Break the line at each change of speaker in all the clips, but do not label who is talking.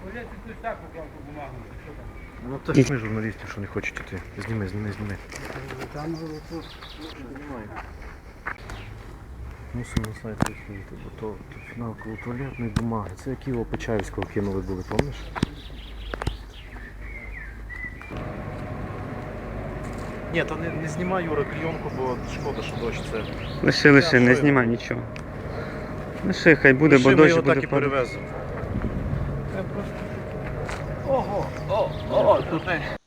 Ну це ж ми журналістів, що не хочуть іти. Зніми. Мусимо на сайт виходити, бо то фінал коло туалетної бумаги. Це як його Почаївського кинули були, пам'ятаєш? Ні, то не знімай, Юра, клейонку, бо шкода, що дощ це.
Лиши, не знімай нічого. Лиши, хай буде, бо
Ми
дощ
його
буде
так і
падати.
перевеземо.
Тут не.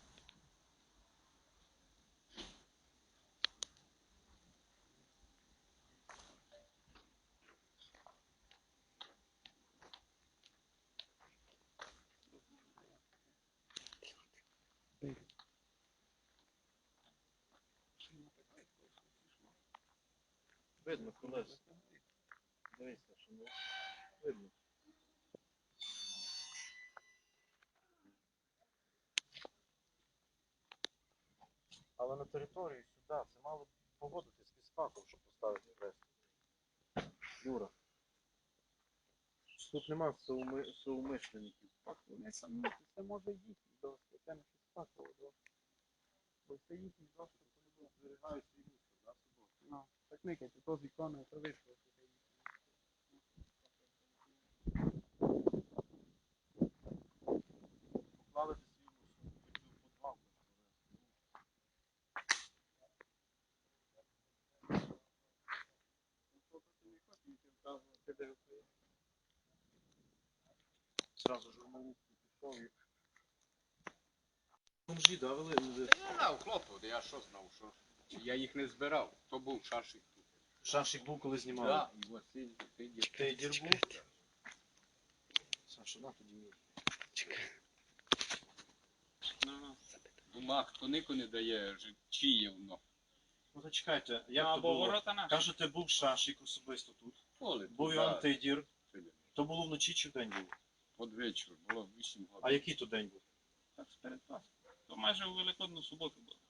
Видно, колеса. Дивіться, що не видно. Але на території сюди це мало погодитись з фізфаком, щоб поставити хрест. Юра. Тут нема соумишленників.
Вони самі, це може їхні дошки, це не фізфаково дошки. Бо це їхні дошки, коли зберігають свій мусор, да, собою. Ну, так никайте, то з іконою, то вийшло.
Поклали свій мусор. Подвал. Зразу журналіст пішов і... Бомжі, да, вели?
Я знав хлопот, я що знав, що я їх не збирав, то був шашик тут.
Шашик був, коли знімали.
Да, і Василь,
Ти дір був? Саша, на тоді мій.
Бумаг, хто нико не дає, чиє воно.
Ну то чекайте, як
Ну,
то
або
було?
ворота наші.
Кажете, був Шашик особисто тут.
Поле,
Був Іван Тейдір. То було вночі чи вдень було?
Под вечір, було 8 годин.
А який то день був?
Так, перед Пасхою. То майже у Великодну суботу було.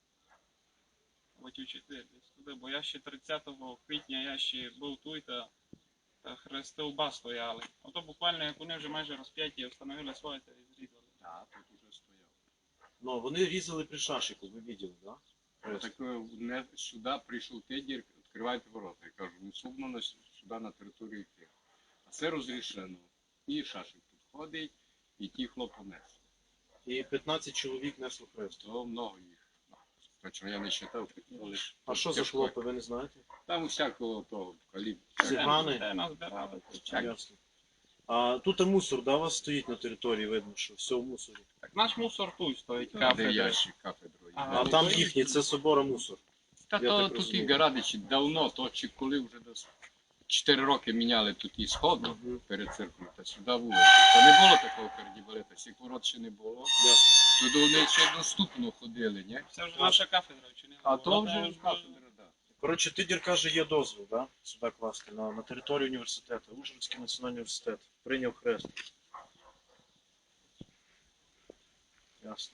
Хотів 4 десь туди, бо я ще 30 квітня я ще був тут, та хрестовба стояли. Ото буквально як вони вже майже розп'яті, встановили своє та і зрізали.
Так, тут уже стояв.
Ну, вони різали при Шашику, ви бачили, так? Да?
Так сюди прийшов Тедір, відкривайте ворота. Я кажу, не сумно сюди на територію йти. А це розрішено. І шашик тут ходить, і ті хлопці несли.
І 15 чоловік несло хрест.
То много їх. Точно я не вважав.
А що за хлопи, ви не знаєте?
Там усякого того калібру.
Цигани?
Де нас збирали?
Ясно. А тут мусор, да, у вас стоїть на території, видно, що все в мусорі.
Так наш мусор тут стоїть,
Де
кафедра.
ящик, кафедрою.
Ага.
А там їхній, це собора мусор.
Та
Я
то
так
тут
розумію.
і Гарадичі давно, то чи коли вже десь 4 роки міняли тут і сходу
Мгм.
перед церквою, та сюди вулицю. Та не було такого кардібалета, всіх ворот ще не було.
Ясно.
Туди вони ще доступно ходили, ні?
Це вже наша кафедра вчинила.
А то вже кафедра, так.
Коротше, Тидір каже, є дозвіл, да? Сюди класти, на територію університету. Ужгородський національний університет. Прийняв хрест. Ясно.